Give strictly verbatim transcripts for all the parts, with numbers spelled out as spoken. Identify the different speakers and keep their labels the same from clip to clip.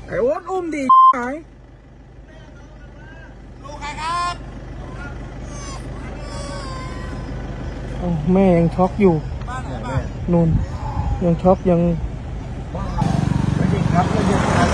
Speaker 1: ไอ้โอ๊ตอุ้มดิหายลูกใครครับโอ้แม่ยังช็อกอยู่นุ่นยังช็อกยังไม่ได้ครับไม่ได้ครับ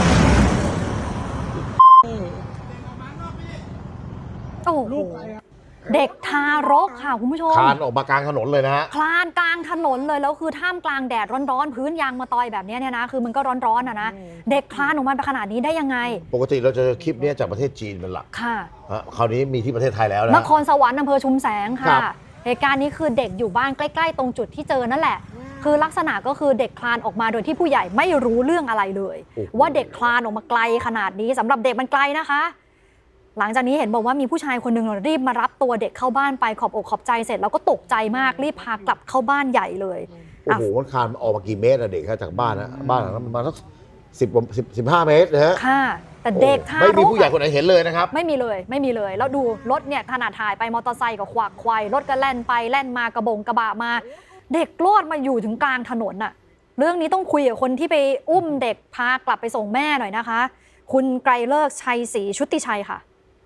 Speaker 2: โอ้โหเด็กทารกค่ะคุณผู้ชม
Speaker 3: คลานออกมากลางถนนเลยนะฮะ
Speaker 2: คลานกลางถนนเลยแล้วคือท่ามกลางแดดร้อนๆพื้นยางมะตอยแบบนี้เนี่ยนะคือมันก็ร้อนๆอ่ะนะเด็กคลานออกมาขนาดนี้ได้ยังไง
Speaker 3: ปกติเราจะคลิปนี้จากประเทศจีนเป็นหลัก
Speaker 2: ค่ะ
Speaker 3: ฮะคราวนี้มีที่ประเทศไทยแล้วนะ
Speaker 2: นครสวรรค์อำเภอชุมแสง
Speaker 3: ครั
Speaker 2: ค่ะ
Speaker 3: บ
Speaker 2: เหตุการณ์นี้คือเด็กอยู่บ้านใกล้ๆตรงจุดที่เจอนั่นแหละ คือลักษณะก็คือเด็กคลานออกมาโดยที่ผู้ใหญ่ไม่รู้เรื่องอะไรเลย ว่าเด็กคลานออกมาไกลขนาดนี้สำหรับเด็กมันไกลนะคะ หลังจากนี้เห็นบอกว่ามีผู้ชายคนหนึ่งรีบมารับตัวเด็กเข้าบ้านไปขอบอกขอบใจเสร็จแล้วก็ตกใจมากรีบพากลับเข้าบ้านใหญ่เลย
Speaker 3: โอ้โหมันคลานออกมากี่เมตรอะเด็กครับจากบ้านนะบ้านหลังนั้นประมาณสักสิบสิบสิบห้าเมตรนะฮะ
Speaker 2: ค่ะ แต่เด็กทารก
Speaker 3: ไม่มีผู้ใหญ่คนไหนเห็นเลยนะครับ
Speaker 2: ไม่มีเลยไม่มีเลย แล้วดูรถเนี่ยขนาดถ่ายไปมอเตอร์ไซค์กับขวากควายรถก็แล่นไปแล่นมากระบงกระบะมา เด็กรอดมาอยู่ถึงกลางถนนน่ะเรื่องนี้ต้องคุยกับคนที่ไปอุ้มเด็กพากลับไปส่งแม่หน่อยนะคะ คุณไกรเลิกษ์ชัยศรีชุติชัยค่ะ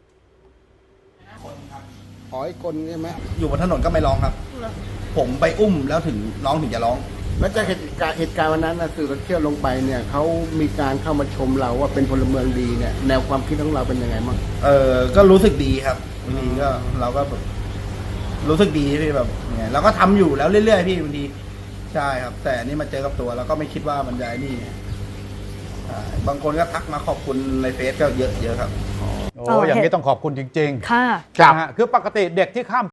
Speaker 4: ขอให้กลใช่ไหม
Speaker 5: อยู่บนถนนก็ไม่ร้องครับ ผมไปอุ้มแล้วถึงน้องถึงจะร้อง
Speaker 4: แล้วจากเหตุการณ์เหตุการณ์วันนั้นนะสื่อโซเชียลลงไปเนี่ยเขามีการเข้ามาชมเราว่าเป็นพลเมืองดีเนี่ยแนวความคิดของเราเป็นยังไงบ้าง
Speaker 5: เออก็รู้สึกดีครับบางทีก็เราก็แบบรู้สึกดีที่แบบไงเราก็ทำอยู่แล้วเรื่อยๆพี่บางทีใช่ครับ แต่อันนี่มาเจอกับตัวเราก็ไม่คิดว่ามันจะไอ้นี่ใช่บางคนก็ทักมาขอบคุณในเฟซก็เยอะเยอะครับ
Speaker 6: โอ้อย่างนี้ต้องขอบคุณจริง
Speaker 2: ค่ะ
Speaker 6: ๆนะฮะคือปกติเด็กที่ข้าม